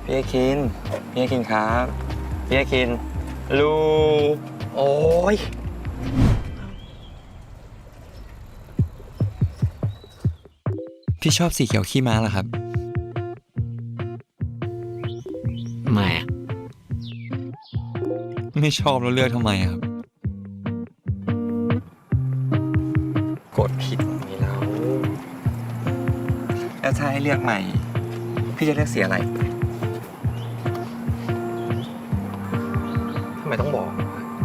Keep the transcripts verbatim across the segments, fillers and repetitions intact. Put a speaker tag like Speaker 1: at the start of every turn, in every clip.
Speaker 1: พี่อาคินพี่อาคินครับพี่อาคินลูโอ้ยพี่ชอบสีเขียวขี้ม้าเหรอครับ
Speaker 2: ไม่อะ
Speaker 1: ไม่ชอบแล้วเลือกทำไมครับกดผิดตรงนี้แล้วแล้วถ้าให้เลือกใหม่พี่จะเลือกสีอะไรทำไมต้องบอก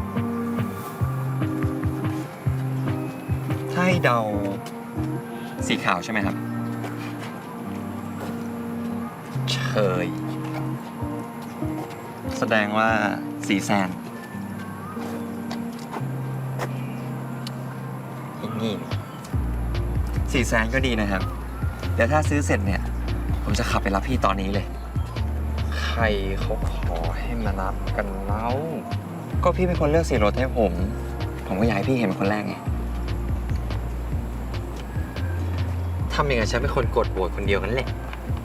Speaker 1: ถ้าให้เดาสีขาวใช่ไหมครับเฉยแสดงว่าสีแซนอีกนี่สีแซนก็ดีนะครับเดี๋ยวถ้าซื้อเสร็จเนี่ยผมจะขับไปรับพี่ตอนนี้เลยใครเขาขอให้มารับกันเล่าก็พี่เป็นคนเลือกสีรถให้ผมผมก็อยากให้พี่เห็นเป็นคนแรกไงทำอย่างไรฉันเป็นคนกดโหวตคนเดียวกันแหละ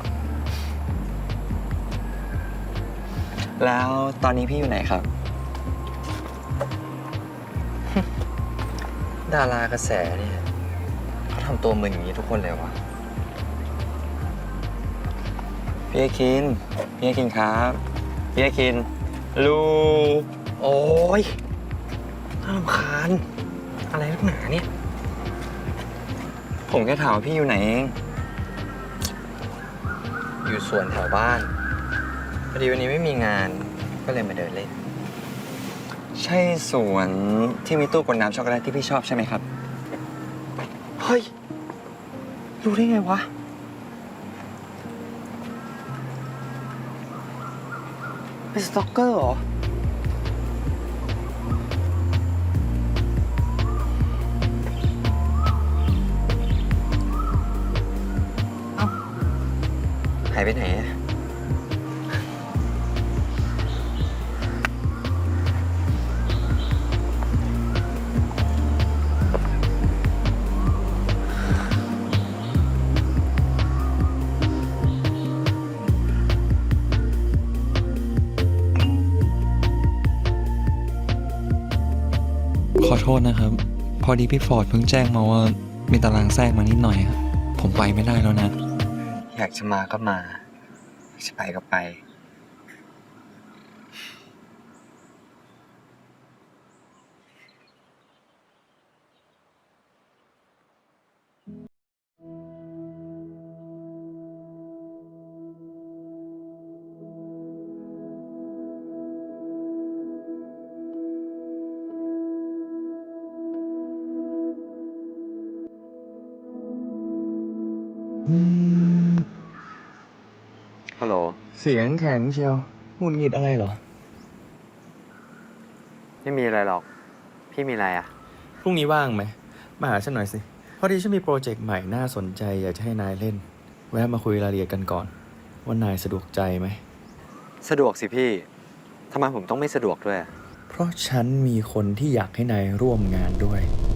Speaker 1: แล้วตอนนี้พี่อยู่ไหนครับ ดารากระแสเนี่ยเขาทำตัวมึนอย่างนี้ทุกคนเลยวะพี่อาคินพี่อาคินครับพี่อาคินลูโอ้ยน่ารำคาญอะไรนักหนาเนี่ยผมแค่ถามว่าพี่อยู่ไหนเองอยู่สวนแถวบ้านพอดีวันนี้ไม่มีงานก็เลยมาเดินเล่นใช่สวนที่มีตู้กดน้ำช็อกโกแลตที่พี่ชอบใช่ไหมครับเฮ้ยรู้ได้ไงวะเป็นสต็อกเกอร์เหรอเอ้าหายไปไหนอะขอโทษนะครับพอดีพี่ฟอร์ดเพิ่งแจ้งมาว่ามีตารางแทรกมานิดหน่อยครับผมไปไม่ได้แล้วนะอยากจะมาก็มาอยากจะไปก็ไปฮัลโหลเสียงแข็งเชียวหงุดหงิดอะไรเหรอไม่มีอะไรหรอกพี่มีอะไรอ่ะ
Speaker 2: พรุ่งนี้ว่างไหมมาหาฉันหน่อยสิพอดีฉันมีโปรเจกต์ใหม่น่าสนใจอยากจะให้นายเล่นแวะมาคุยรายละเอียดกันก่อนว่านายสะดวกใจไหม
Speaker 1: สะดวกสิพี่ทำไมผมต้องไม่สะดวกด้วย
Speaker 2: เพราะฉันมีคนที่อยากให้นายร่วมงานด้วย